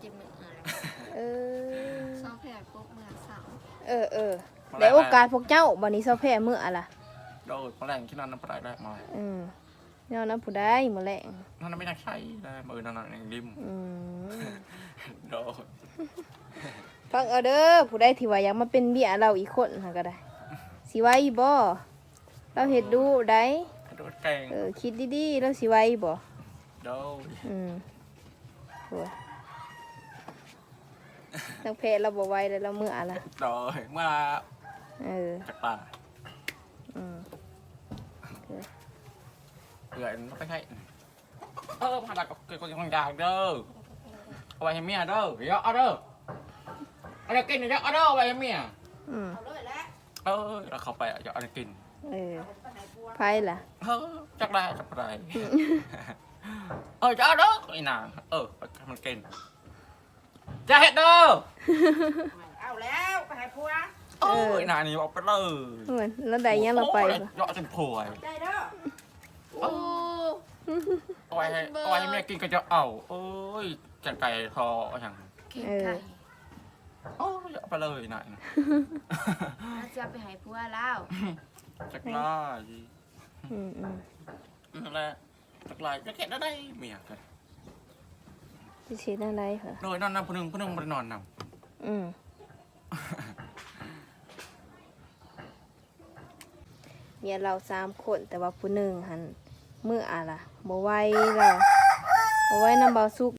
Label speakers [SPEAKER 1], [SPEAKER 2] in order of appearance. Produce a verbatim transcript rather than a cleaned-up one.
[SPEAKER 1] จิมืออะไร
[SPEAKER 2] เออ
[SPEAKER 1] ซอแพรปุ๊บเมื่อเสาร์
[SPEAKER 2] เออเออได้โอกาสพวกเจ้าบัดนี้เซาแพ้มื้ออะล่ะ
[SPEAKER 3] โดยแมลงที่นั่นน้ำปลาได้มา
[SPEAKER 2] อืมแนวนั้นผู้ใดมื้อแลง
[SPEAKER 3] นั่นไม่น่าใช่ได้มือนั่นนั่นริม
[SPEAKER 2] อืม
[SPEAKER 3] โดย
[SPEAKER 2] ฟังเอาเด้อผู้ใดที่ว่าอยากมาเป็นเมียเราอีกคนหาก็ได้สิไหว้บ่เราเฮ็ดดูได้
[SPEAKER 3] โดยแกง
[SPEAKER 2] เออคิดดีๆแล้วสิไหว้บ่
[SPEAKER 3] โดย
[SPEAKER 2] อืมโหนักเพศเราบ่ไหว้แล้วเรามื้ออะล่ะ
[SPEAKER 3] โดยเมื่อ
[SPEAKER 2] เออ
[SPEAKER 3] จากป่า
[SPEAKER 2] อืม
[SPEAKER 3] เอื่อยไม่ใช่เออผ่านกับเกิดคนคนยากเด้อเอาไว้ให้เมียเด้อเดี๋ยวเอาเด้อเอาเดี๋ยวกินเดี๋ยวเอาเด้อเอาไว้ให้เมีย
[SPEAKER 2] อืม
[SPEAKER 3] เออแล้วเขาไปอ่ะจะเอาเดี๋ยวกิน
[SPEAKER 2] เออไผล่ะ
[SPEAKER 3] เออจักได้จักได้เออจะเอาเด้อไอ้นางเออให้มันกินจะเห็ดเด้อ
[SPEAKER 4] เอาแล้วไปให้ผัว
[SPEAKER 3] เออไอ้นางนี่เอาไปเลย
[SPEAKER 2] เหมือนแล้วได้ยังเราไป
[SPEAKER 3] โอ้ย
[SPEAKER 2] บ่
[SPEAKER 3] เยอะจนผวย
[SPEAKER 4] ได้เด้อ
[SPEAKER 1] โอ้
[SPEAKER 3] เอาไว้ให้เอาไว้ให้แม่กินก็จะเอาโอ้ยจังไก่ทออย่าง
[SPEAKER 1] เข่งไก่
[SPEAKER 3] โอ้ยเอาไปเลยนาย
[SPEAKER 1] น่าจะไปหายพัวแล้ว
[SPEAKER 3] จักรลาย
[SPEAKER 2] อืมอืม
[SPEAKER 3] นั่นแหละจักรลายจะเก็บได้เมียกัน
[SPEAKER 2] สิสิได้ไรเหรอ
[SPEAKER 3] โดยนอนนำผู้หนึ่งผู้หนึ่งมันนอนน
[SPEAKER 2] อืม เมียเราสามคนแต่ว่าผู้หนึ่งหันมื้ออะล่ะบ่ไหวแล้วบ่ไหวนำเบาสุก